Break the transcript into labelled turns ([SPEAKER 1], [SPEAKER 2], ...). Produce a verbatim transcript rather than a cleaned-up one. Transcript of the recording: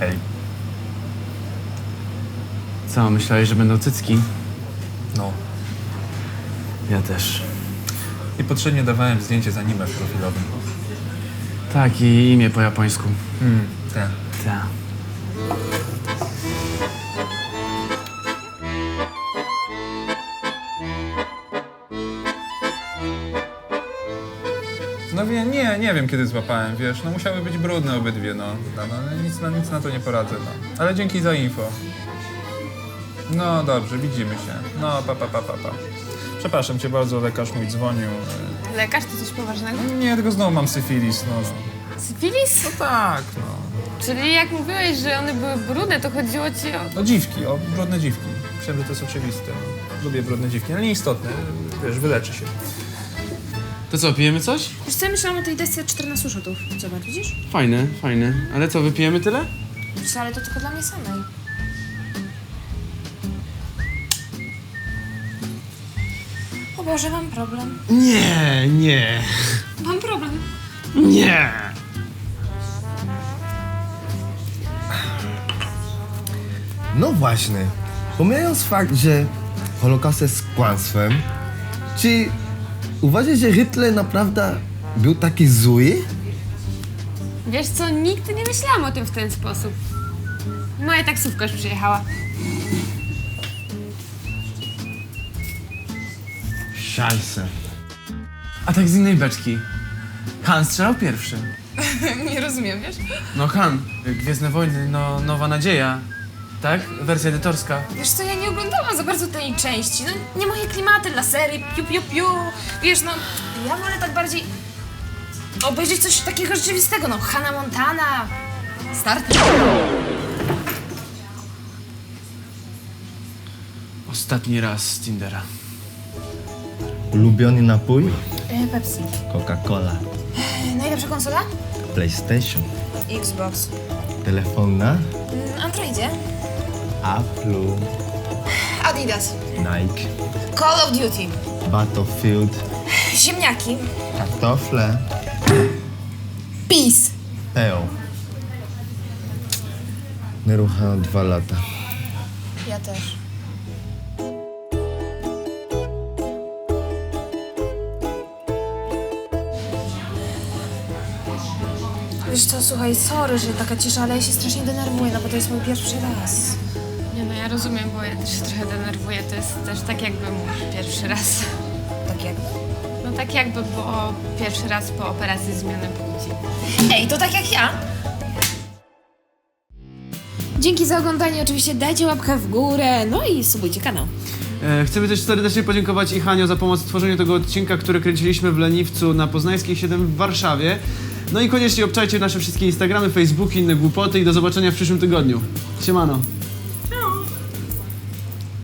[SPEAKER 1] Hej.
[SPEAKER 2] Co, myślałeś, że będą cycki?
[SPEAKER 1] No.
[SPEAKER 2] Ja też.
[SPEAKER 1] Niepotrzebnie dawałem zdjęcie z anime profilowym.
[SPEAKER 2] Tak, i imię po japońsku.
[SPEAKER 1] Hmm, tak.
[SPEAKER 2] Tak.
[SPEAKER 1] No wie, nie, nie wiem kiedy złapałem, wiesz, no musiały być brudne obydwie, no. No, no ale nic, na, nic na to nie poradzę, no. Ale dzięki za info. No dobrze, widzimy się. No, pa, pa, pa, pa, pa. Przepraszam cię bardzo, lekarz mój dzwonił.
[SPEAKER 3] Lekarz to coś poważnego?
[SPEAKER 1] Nie, tylko znowu mam syfilis, no.
[SPEAKER 3] Syfilis?
[SPEAKER 1] No tak, no.
[SPEAKER 3] Czyli jak mówiłeś, że one były brudne, to chodziło ci o...
[SPEAKER 1] No dziwki, o brudne dziwki. Myślałem, że to jest oczywiste. Lubię brudne dziwki, ale nieistotne, wiesz, wyleczy się.
[SPEAKER 2] To co, pijemy coś?
[SPEAKER 4] Wiesz co, ja myślałam o tej desce czternastu szotów. Zobacz, widzisz?
[SPEAKER 2] Fajne, fajne. Ale co, wypijemy tyle?
[SPEAKER 4] Wiesz, ale to tylko dla mnie samej. O Boże, mam problem.
[SPEAKER 2] Nie, nie,
[SPEAKER 4] Mam problem.
[SPEAKER 2] nie.
[SPEAKER 5] No właśnie, pomijając fakt, że Holokaust jest kłamstwem, czy uważasz, że Hitler naprawdę był taki zły?
[SPEAKER 3] Wiesz co, nigdy nie myślałam o tym w ten sposób. Moja taksówka już przyjechała.
[SPEAKER 5] Szajse.
[SPEAKER 2] A tak z innej beczki. Han strzelał pierwszy.
[SPEAKER 4] Nie rozumiem, wiesz?
[SPEAKER 2] No Han, Gwiezdne Wojny, no Nowa Nadzieja. Tak? Wersja edytorska.
[SPEAKER 4] Wiesz co, ja nie oglądałam za bardzo tej części. No, nie moje klimaty dla serii, piu, piu, piu. Wiesz, no, ja wolę tak bardziej obejrzeć coś takiego rzeczywistego. No, Hannah Montana, Star Trek.
[SPEAKER 2] Ostatni raz z Tindera.
[SPEAKER 5] Ulubiony napój?
[SPEAKER 4] E, Pepsi.
[SPEAKER 5] Coca-Cola.
[SPEAKER 4] E, najlepsza konsola?
[SPEAKER 5] PlayStation.
[SPEAKER 4] Xbox.
[SPEAKER 5] Telefon na?
[SPEAKER 4] Mm, Androidzie.
[SPEAKER 5] Apple.
[SPEAKER 4] Adidas.
[SPEAKER 5] Nike.
[SPEAKER 4] Call of Duty.
[SPEAKER 5] Battlefield.
[SPEAKER 4] Ziemniaki.
[SPEAKER 5] Kartofle.
[SPEAKER 4] PiS.
[SPEAKER 5] Eo. Nierucham dwa lata.
[SPEAKER 4] Ja też. Wiesz co, słuchaj, sorry, że taka cisza, ale ja się strasznie denerwuję, no bo to jest mój pierwszy raz.
[SPEAKER 3] Nie no, ja rozumiem, bo ja też się trochę denerwuję. To jest też tak jakby mój pierwszy raz.
[SPEAKER 4] Tak jak?
[SPEAKER 3] No tak jakby było pierwszy raz po operacji zmiany płci.
[SPEAKER 4] Ej, to tak jak ja. Dzięki za oglądanie, oczywiście dajcie łapkę w górę, no i subujcie kanał.
[SPEAKER 2] E, chcemy też serdecznie podziękować i Hanio za pomoc w tworzeniu tego odcinka, który kręciliśmy w Leniwcu na Poznańskiej siedem w Warszawie. No i koniecznie obczajcie nasze wszystkie Instagramy, Facebooki, inne głupoty i do zobaczenia w przyszłym tygodniu. Siemano.